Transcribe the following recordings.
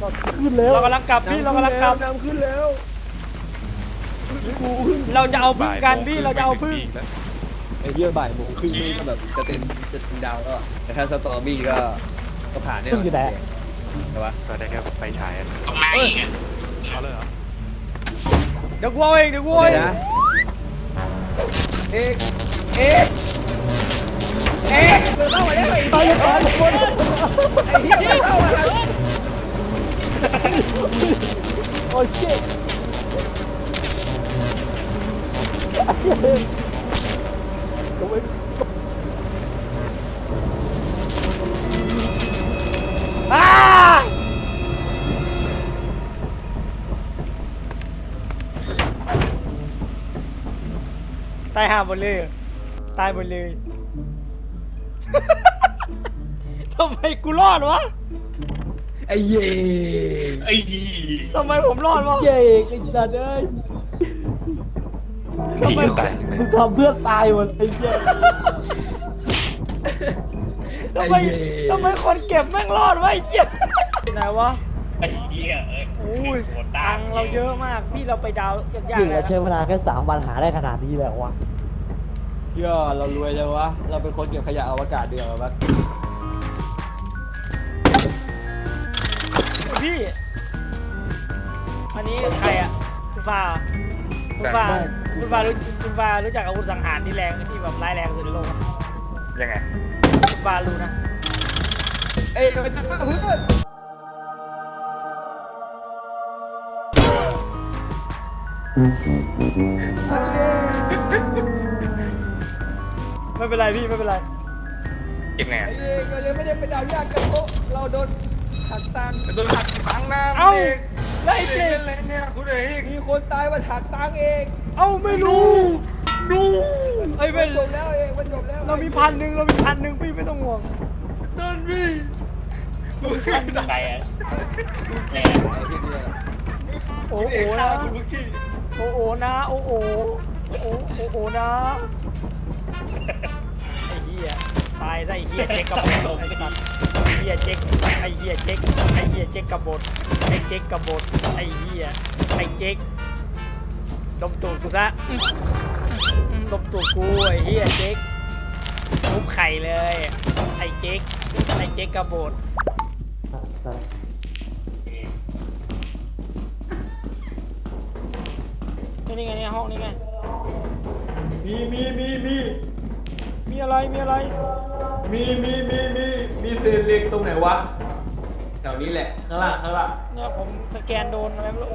ขึ้นแล้วเรากำลังกลับพี่เรากำลังกลับน้ำขึ้นแล้วเราจะเอาพึ่งกันพี่เราจะเอาพึ่งไอ้เหี้ยบ่ายโมงครึ่งนี่ก็แบบจะเต็มดาวแล้วแต่ถ้าสตอรี่ก็ผ่านเนี่ยอยู่ไหนใช่ปะก็ได้แค่ไฟฉายตรงไหนเขาเลยเหรอเดี๋ยวกูเอาเองเดี๋ยวกูเอาเองนะเอกเข้ามาได้ไหมตายทุกคนไอ้เหี้ยเข้ามาโอ้ยเจ๊ตายห่าหมดเลยตายหมดเลยทำไมกูรอดวะไอ้เย่ทำไมผมรอดวะเจ๊ไอ้สัตว์เอ้ยทำไมมึงทำเพื่อตายหมดไอ้เจ๊ทำไมคนเก็บแม่งรอดวะไอ้เหี้ยไหนวะไอ้เหี้ยโอ้ยตังเราเยอะมากพี่เราไปดาวยากๆถึงเลเรายใช้เวลาแค่3 วันหาได้ขนาดนี้แล้ววะเชื่อเรารวยจังวะเราเป็นคนเก็บขยะอวกาศเดียวปะพี่อันนี้ใครอ่ะคุณฟ้ารู้จักอาวุธสังหารที่แรงที่แบบร้ายแรงสุดในโลกไหมยังไงคุณฟ้ารู้นะเอ้ยมันจะฆ่าเพื่อนไม่เป็นไรพี่ไม่เป็นไรเก็บไงไอ้เอกเรายังไม่ได้ไปดาวยากกันเพราะเราโดนหักตังค์นะเอ้าไล่เจ๊เนี่ยคุณเอกมีคนตายมาหักตังค์เองเอ้าไม่รู้ไอ้ยมัไม่นจบแล้วเองมันจบแล้วเรามี1,000พี่ไม่ต้องห่วงเดินพี่ใครอ่ะโอ้โหนะโอ้โหนะโอ้โหนะไอ้เหี้ยตายได้เหี้ยเจ๊กกระบดไอ้สัตว์เหี้ยเจ๊กไอ้เหี้ยเจ๊กกระบดไอ้เจ๊กกระบดไอ้เหี้ยไอ้เจ๊กดมตูดกูซะดมตูดกูไอ้เหี้ยเจ๊กทุบไข่เลยไอ้เจ๊กกระบดนี่ไงเนี่ยห้องนี่ไงมีอะไรมีเศษเหล็กตรงไหนวะแถวนี้แหละข้างล่างเนี่ยผมสแกนโดนอะไรไม่รู้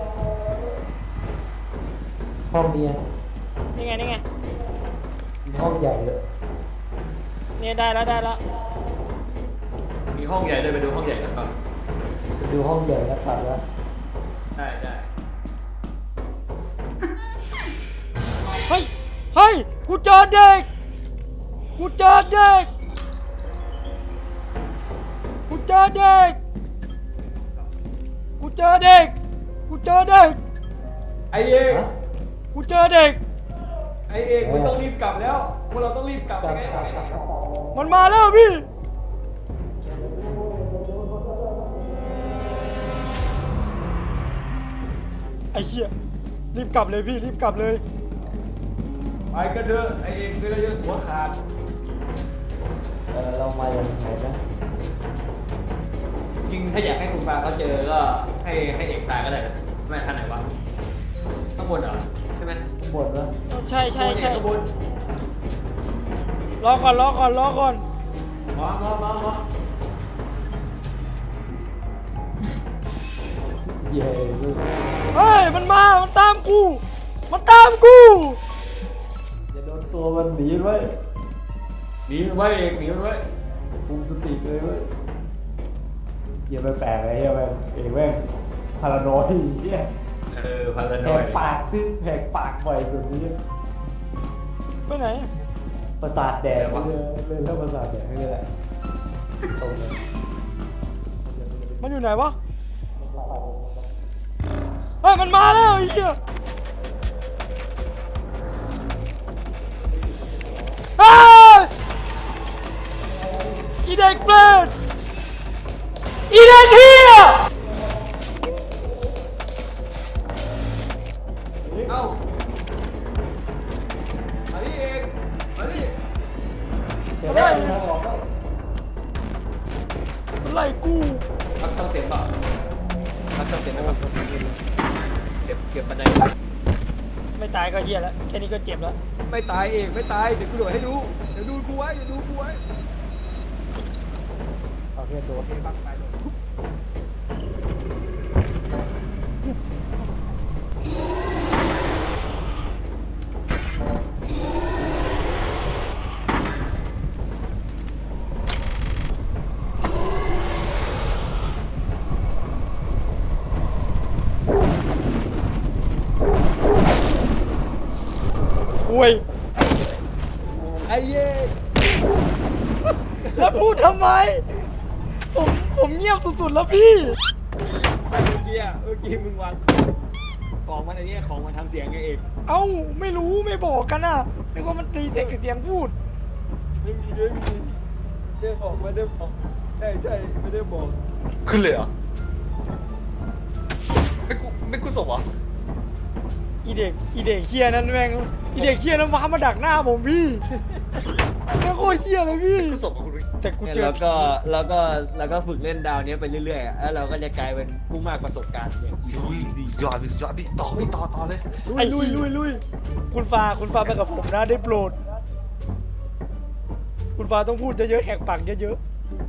ห้องนี้นี่ไงห้องใหญ่เลยเนี่ยได้แล้วมีห้องใหญ่เลยไปดูห้องใหญ่กันก่อนดูห้องใหญ่แล้วตัดแล้วได้เฮ้ยกูเจอเด็กไอเอกมันต้องรีบกลับแล้วพวกเราต้องรีบกลับยังไงมันมาแล้วพี่ไอ้เหี้ยรีบกลับเลยพี่รีบกลับเลยไปกันเถอะไอเอกเราจะหัวขาดเรามาอย่างไหนนะจริงถ้าอยากให้คุณปาเขาเจอก็ให้เอกตายก็ได้นะไม่ท่านไหนวะข้างบนเหรอใช่ไหมข้างบนแล้วใช่ข้างบนรอก่อนมาเย้เฮ้ยมันตามกูอย่าโดนตัวมันหนีไว้หนีมันไว้คุมสติเลยเว้ยอย่าไปแปลกเลยอย่าไปแม่งพารานอยเนี่ยพารานอยแหกปากบ่อยสุดนี้ไปไหนประสาทแดกเลยถ้าประสาทแดกนี่แหละตรงเลยมันอยู่ไหนวะเฮ้ยมันมาแล้วไอ้เหี้ยอีเด็กเปรตอีเด็กเหี้ยต้องเก็บไปแบบเก็บบันไดไปไม่ตายก็เฮียแล้วแค่นี้ก็เจ็บแล้วไม่ตายเองไม่ตายเดี๋ยวกูโดดให้ดูเดี๋ยวดูกูไว้เดี๋ยวดูกูไว้เอาเพื่อนโดนโอเคบ้างไปโดดคุยไอ้เย่แล้วพูดทำไม ผมเงียบสุดๆแล้วพี่เมื่อกี้มึงวางของมันไอ้เนี่ยของมันทำเสียงไงเอกเอ้าไม่รู้ไม่บอกกันอ่ะนึกว่ามันตีเสียงกับเสียงพูดไม่มีได้บอกไม่ได้บอกใช่ไม่ได้บอกขึ้นเลยเหรอไม่กูศพเหรออีเด็กเคียนั้นแม่งอีเด็กเคียนั้นว้ามาดักหน้าผมพี่แม่งโคตรเคียเลยพี่กูศพเหรอคุณวิแต่กูเจอแล้วก็ฝึกเล่นดาวนี้ไปเรื่อยๆอะแล้วเราก็จะกลายเป็นผู้มากประสบการณ์เนี่ยสุดยอดสุดยอดพี่ต่อเลยไอ้ลุยคุณฟ้าไปกับผมนะได้โปรด คุณฟ้าต้องพูดเยอะๆแหกปากเยอะ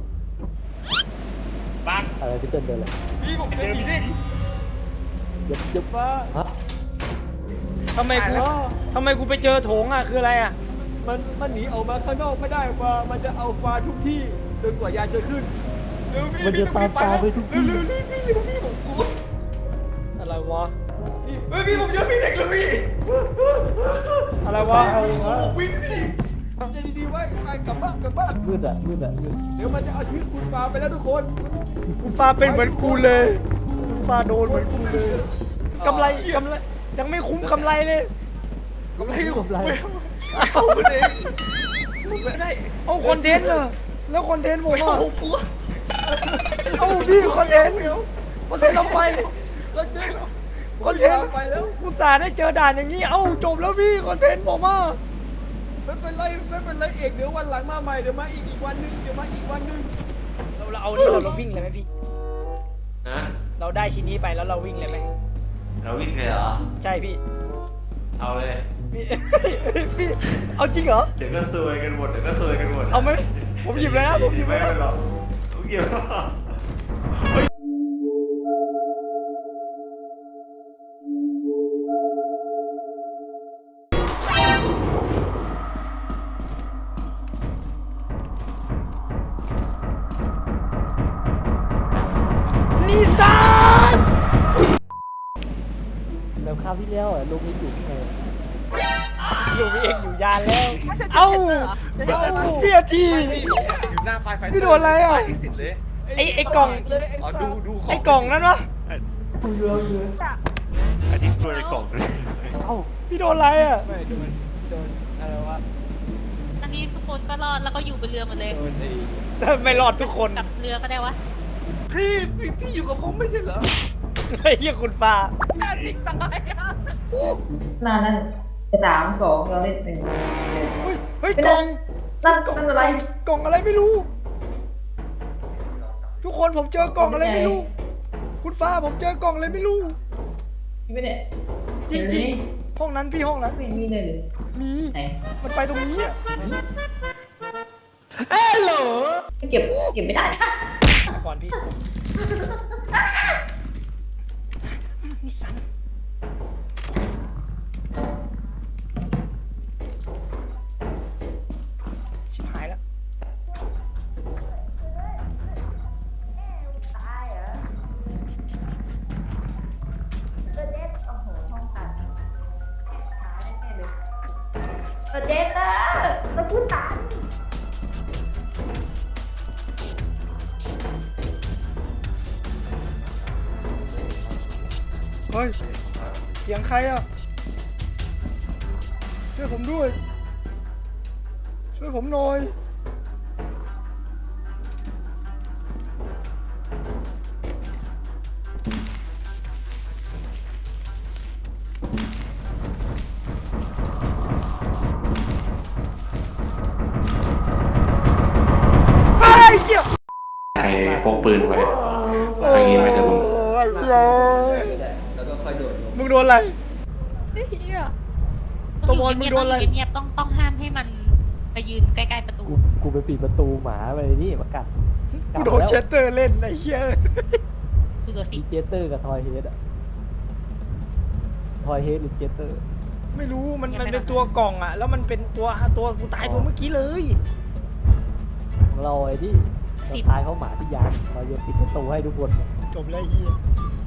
ปังอะไรที่เต้นเดินเลยพี่ผมเจอผีเด็กเย็บว่าฮะๆทำไมกูไปเจอโถงอ่ะคืออะไรอ่ะมันหนีออกมาข้างนอกไม่ได้ฟ้ามันจะเอาฟ้าทุกที่จนกว่ายานจะขึ้นมันจะตามตาไปทุกที่เร็วพี่ผมกลัวอะไรวะพี่ผมเจอผีเด็กเลยพี่อะไรวะวิ่งพี่ทำใจดีๆไว้ไปกลับบ้านมืดมืดเดี๋ยวมันจะเอาชีวิตคุณฟ้าไปแล้วทุกคนคุณฟ้าเป็นเหมือนกูเลยคุณฟ้าโดนเหมือนกูเลยกำไรยังไม่คุ้มกำไรเลยกำไรกำไรเอาไปเลยไม่ได้เอาคอนเทนต์เหรอแล้วคอนเทนต์ผมไม่อ่ะเอากลัวเอาพี่คอนเทนต์เราไปแล้วเด็กคอนเทนต์ไปแล้วอุตส่าห์ได้เจอด่านอย่างนี้ เอ้าจบแล้วพี่คอนเทนต์ผมอ่ะไม่เป็นไรเอกเดี๋ยววันหลังมาใหม่เดี๋ยวมาอีกวันนึงเราเอานี่เราวิ่งเลยไหมพี่ฮะเราได้ชิ้นนี้ไปแล้วเราวิ่งเลยไหมเราวิ่งเลยเหรอใช่พี่เอาเลยพี่พี่เอาจริงเหรอเดี๋ยวก็ซวยกันหมดเดี๋ยวก็ซวยกันหมดเอาไหมผมหยิบเลยนะผมหยิบเลยนะไม่หรอกผมหยิบแล้วนิสานแล้วคราวที่แล้วลูกนี้อยู่ที่ไหนอยู่พี่เอกอยู่ยานแล้ว เอ้าพี่อาทีอยู่หน้าไฟพี่โดนอะไรอ่ะที่สิทธิ์เลยไอ้กล่องอ๋อดูของไอ้กล่องนั้นวะคุยเราอยู่อันนี้ตัวในกล่องเลยเอ้าพี่โดนอะไรอ่ะไม่โดนอะไรวะอันนี้ทุกคนก็รอดแล้วก็อยู่บนเรือหมดเลยโดนไอ้ไม่รอดทุกคนกลับเรือก็ได้วะพี่อยู่กับผมไม่ใช่เหรอไอ้เหี้ยคุณฟ้าน่าสิงตายอ่ะนานนั่น3-2เราเล่นเป็นเฮ้ยกล่องนั่นอะไรกล่องอะไรไม่รู้ ทุกคนผมเจอกล่องอะไรไม่รู้ คุณฟ้าผมเจอกล่องอะไรไม่รู้พี่ไม่เนี่ยจริงๆห้องนั้นพี่ห้องนั้นไม่มีเลยหรือมีไหนมันไปตรงนี้อ่ะไม่เก็บไม่ได้ก่อนพี่นิสันชิบหายแล้วเจ๊ค่ะมาพูดตามเฮ้ย เสียงใครอ่ะ ช่วยผมด้วย ช่วยผมหน่อย ไอ้เหี้ยใครพกปืนไว้ทางนี้ไหมเดี๋ยวผมไอ้เหี้ยโดนอะไรเหี้ยตะวันมึงโดนอะไรเงียบๆต้องห้ามให้มันไปยืนใกล้ๆประตูกูไปปิดประตูหมาไปนี่มากัดกูโดนเชสเตอร์เล่นไอ้เหี้ยดูตัวสิมีเจสเตอร์กับทอยเฮดอะทอยเฮดหรือเจสเตอร์ไม่รู้มันเป็นตัวกล่องอะแล้วมันเป็นตัวกูตายตัวเมื่อกี้เลยของเราไอ้ที่เราทายเขาหมาที่ยานเราจะปิดประตูให้ทุกคนจบแล้วไอ้เหี้ย